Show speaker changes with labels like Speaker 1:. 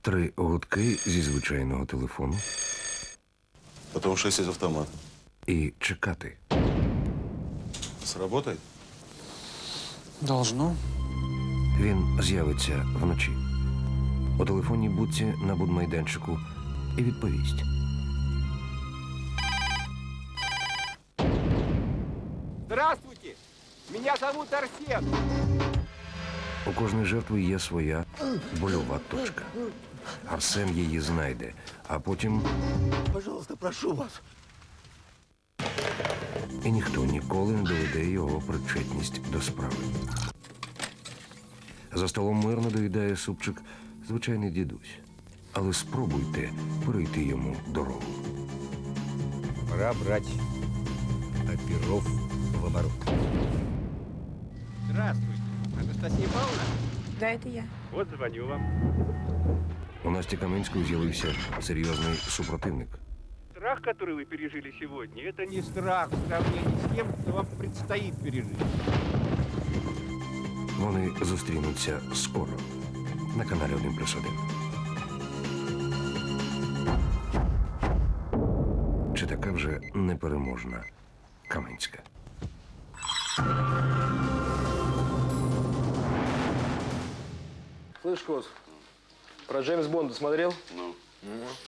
Speaker 1: 3 гудки зі звичайного телефону
Speaker 2: Потом 6 из автомата.
Speaker 1: і чекати.
Speaker 2: Сработает?
Speaker 3: Должно.
Speaker 1: Він з'явиться вночі. У телефонній будці на будмайданчику і відповість.
Speaker 4: Здравствуйте! Меня зовут Арсен.
Speaker 1: У кожної жертви є своя больова точка. Арсен її знайде, а потім
Speaker 5: Пожалуйста, прошу вас.
Speaker 1: і ніхто ніколи не доведе його причетність до справи. За столом мирно доїдає супчик звичайний дідусь. Але спробуйте перейти йому дорогу.
Speaker 4: Пора брать оперов в оборот. Здравствуйте, Анастасия Павловна.
Speaker 6: Да, это я.
Speaker 4: Вот звоню вам.
Speaker 1: У Насті Каменської з'явився серйозний супротивник.
Speaker 4: Страх, который вы пережили сегодня, это не страх в сравнении с тем, что вам предстоит пережить.
Speaker 1: Вони зустрінуться скоро на каналі 1+1. Чи така вже непереможна Каменська?
Speaker 7: Слышь, Кос, про Джеймс Бонда смотрел?
Speaker 2: Ну.